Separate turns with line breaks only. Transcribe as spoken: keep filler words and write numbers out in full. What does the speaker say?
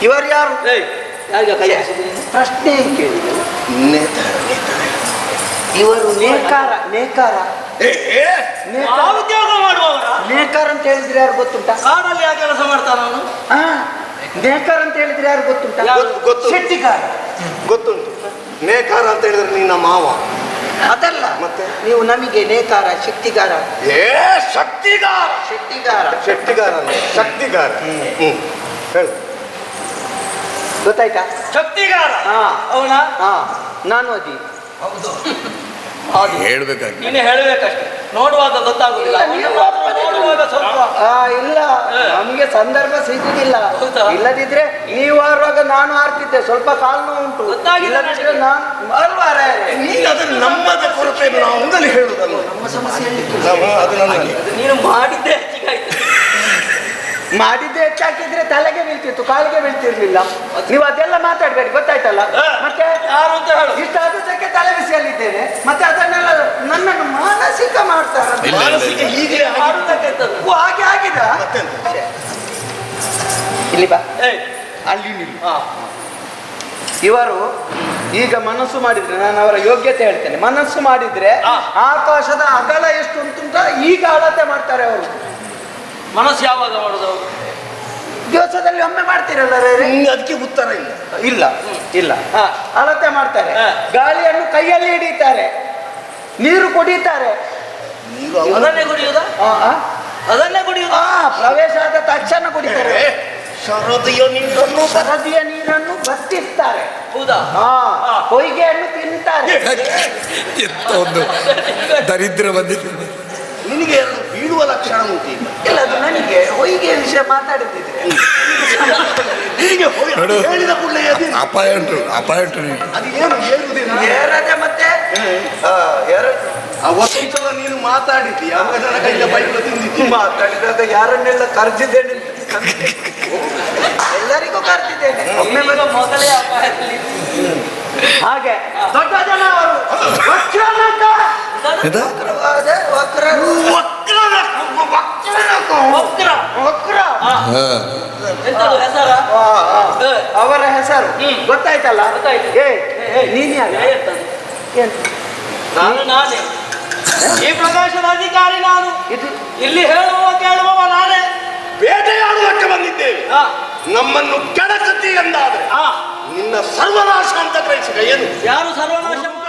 ಇವರು ಯಾರು? ಪ್ರಶ್ನೆ ಕೇಳಿದೆ. ಇವರು ನೇಕಾರ ನೇಕಾರ
ಉದ್ಯೋಗ ಮಾಡುವವರ
ನೇಕಾರ ಅಂತ ಹೇಳಿದ್ರೆ ಯಾರು ಗೊತ್ತುಂಟಾ?
ಕಾಡಲ್ಲಿ ಯಾವ ಕೆಲಸ ಮಾಡ್ತಾನ ಅವನು?
ಹಾ, ನೇಕಾರ ಅಂತ ಹೇಳಿದ್ರೆ ಯಾರು ಗೊತ್ತುಂಟಾ?
ಗೊತ್ತು.
ಶೆಟ್ಟಿಗಾರ
ಗೊತ್ತುಂಟು. ನೇಕಾರ ಅಂತ ಹೇಳಿದ್ರೆ ನಿನ್ನ ಮಾವ.
ಅದಲ್ಲ
ಮತ್ತೆ
ನೀವು ನಮಗೆ ನೇಕಾರ ಶಕ್ತಿಗಾರ.
ಏ ಶಕ್ತಿಗಾರ.
ಶೆಟ್ಟಿಗಾರ
ಶಕ್ತಿಗಾರ ಶಕ್ತಿಗಾರ. ಹ್ಮ್ ಹೇಳು.
ಗೊತ್ತಾಯ್ತಾ?
ಶಕ್ತಿಗಾರ.
ಹಾ
ಅವನ
ಹಾ ನಾನು ಅದಿ.
ಹೌದು
ಹೇಳ್ಬೇಕಾಗಿ
ನೀನು ಹೇಳ್ಬೇಕಷ್ಟೆ. ನೋಡುವಾಗ ಗೊತ್ತಾಗುದಿಲ್ಲ. ನೋಡುವಾಗ ಸ್ವಲ್ಪ
ಆ ಇಲ್ಲ, ನಮ್ಗೆ ಸಂದರ್ಭ ಸಿಗುದಿಲ್ಲ.
ಹೌದಾ?
ಇಲ್ಲದಿದ್ರೆ ನೀವು ಆರುವಾಗ ನಾನು ಆಡ್ತಿದ್ದೆ. ಸ್ವಲ್ಪ ಕಾಲು ನೋವು ಉಂಟು.
ಗೊತ್ತಾಗಿಲ್ಲ
ಇಲ್ಲದಿದ್ರೆ ನಾನು ಅಲ್ವಾ ರಾಯರೇ?
ನೀನು ಅದನ್ನು ನಮ್ಮದ ಕೊರತೆ ನಾವು ಹಂಗಲ್ಲಿ ಹೇಳುದಲ್ಲ.
ನಮ್ಮ ಸಮಸ್ಯೆ ಹೇಳಲಿಕ್ಕೆ
ನಾವು ಅದು ನನಗೆ
ನೀನು ಮಾಡಿದ್ದೆ ಹೆಚ್ಚಿಗಾಯ್ತು.
ಮಾಡಿದ್ದೆ ಹೆಚ್ಚಾಕಿದ್ರೆ ತಲೆಗೆ ಬೀಳ್ತಿತ್ತು, ಕಾಲಿಗೆ ಬೀಳ್ತಿರ್ಲಿಲ್ಲ. ನೀವು ಅದೆಲ್ಲ ಮಾತಾಡ್ಬೇಡಿ, ಗೊತ್ತಾಯ್ತಲ್ಲ? ಮತ್ತೆ
ಯಾರು ಅಂತ ಹೇಳು.
ಇಷ್ಟಾದಕ್ಕೆ ತಲೆ ಬಿಸಿಯಲ್ಲಿದ್ದೇನೆ, ಮತ್ತೆ ಅದನ್ನೆಲ್ಲ ನನ್ನನ್ನು ಮಾನಸಿಕ ಮಾಡ್ತಾರೆ.
ಮಾನಸಿಕ ಹೀಗೆ
ಮಾಡುವುದಕ್ಕೆಂತದ್ದು?
ಓ, ಹಾಗೆ ಆಗಿದ? ಇಲ್ಲಿ ಬಾ,
ಏಯ್
ಅಲ್ಲಿ ನಿಲ್ಲಿ.
ಹಾ
ಇವರು ಈಗ ಮನಸ್ಸು ಮಾಡಿದ್ರೆ, ನಾನು ಅವರ ಯೋಗ್ಯತೆ ಹೇಳ್ತೇನೆ. ಮನಸ್ಸು ಮಾಡಿದ್ರೆ
ಹಾ.
ಆಕಾಶದ ಅಗಲ ಎಷ್ಟು ಉಂಟುಂಟ ಈಗ ಅಳತೆ ಮಾಡ್ತಾರೆ ಅವರು.
ಮನಸ್ಸು ಯಾವಾಗ ಮಾಡುದು ಅವರು?
ದಿವಸದಲ್ಲಿ ಒಮ್ಮೆ ಮಾಡ್ತೀರಲ್ಲ ರೇ?
ಅದಕ್ಕೆ ಉತ್ತರ ಇಲ್ಲ.
ಇಲ್ಲ ಇಲ್ಲ
ಹಾ.
ಅಳತೆ ಮಾಡ್ತಾರೆ.
ಹಾ.
ಗಾಳಿಯನ್ನು ಕೈಯಲ್ಲಿ ಹಿಡಿತಾರೆ, ನೀರು ಕುಡಿತಾರೆ.
ನೀರು ಅವನ-
ಅದನ್ನೇ ಕುಡಿಯುವುದಾ?
ಆ, ಆ?
ಅದನ್ನೇ ಕುಡಿಯುವುದಾ?
ಆ, ಪ್ರವೇಶ ಆದ ತಕ್ಷಣ ಕುಡಿತಾರೆ.
ಏ, ಶರದಿಯ ನೀರನ್ನು ಬರ-
ಸರದಿಯ ನೀರನ್ನು ಬತ್ತಿಸ್ತಾರೆ.
ಹೌದಾ?
ಹಾ,
ಹಾ.
ಹೊಯ್ಗೆಯನ್ನು ತಿಂತಾರೆ.
ಎಂತ ಒಂದು ದರಿದ್ರ ಬಂದಿದೆ.
ನಿನಗೆ ಎರಡು ಬೀಳುವ ಲಕ್ಷಣ ಉಂಟು ಈಗ.
ಇಲ್ಲ, ಅದು ನನಗೆ ಹೊಯ್ಗೆ ವಿಷಯ ಮಾತಾಡುತ್ತಿದ್ರೆ
ನಿನಗೆ ಹೋಯ್-
ನೋಡು.
ಹೇಳಿದ ಕೂಡಲೇ ಎದಿರು.
ಅಪಾಯ ಉಂಟು, ಅಪಾಯ ಉಂಟು ನಿನಗೆ.
ಅದು ಏನು ಏರುವುದಿಲ್ಲ.
ಏರದೆ ಮತ್ತೆ ಆ, ಏರ-
ಆ ವಸಂತದ ನೀನು ಮಾತಾಡಿದ್ದಿ, ಅವಾಗ ನನ್ನ ಕೈಯಿಂದ ಬೈಗಳು ತಿಂದಿದ್ದಿ.
ಮಾತಾಡಿದಾಗ ಯಾರನ್ನೆಲ್ಲ ಕರೆದಿದ್ದೇನೆ ಅಂತ ಎಲ್ಲರಿಗೂ ಕರೆದಿದ್ದೇನೆ. ಒಮ್ಮೆ
ಈಗ ಮೊದಲೇ ಅಪಾಯದಲ್ಲಿ
ಹಾಗೆ ದೊಡ್ಡ ಜನ ಅವರು ವಕ್ರನಕ.
ಎಂತ?
ವಕ್ರವಾದ ವಕ್ರ
ವಕ್ರ.
ವಕ್ರ
ಹಾ.
ಹಾ.
ಎಂತದು ಹೆಸರ?
ಆ, ಆ. ಅವರ ಹೆಸರು
ಹ್ಮ್.
ಗೊತ್ತಾಯ್ತಲ್ಲ?
ಗೊತ್ತಾಯ್ತು.
ಏ ನೀನ್ ಯಾರು?
ಎಂತದು?
ಏನು?
ನಾನು ನಾನೇ. ಈ ಪ್ರಕಾಶದ ಅಧಿಕಾರಿ ನಾನು.
ಇದು
ಇಲ್ಲಿ ಹೇಳುವವ ಕೇಳುವವ ನಾನೇ.
ಬೇಟೆಯಾಡುವುದಕ್ಕೆ ಬಂದಿದ್ದೇವೆ.
ಹಾ.
ನಮ್ಮನ್ನು ಕೆಡಕತ್ತಿ ಎಂದಾದ್ರೆ
ಹಾ.
ನಿನ್ನ ಸರ್ವನಾಶ ಅಂತ ಗ್ರಹಿಸಿದ ಏನು?
ಯಾರು ಸರ್ವನಾಶ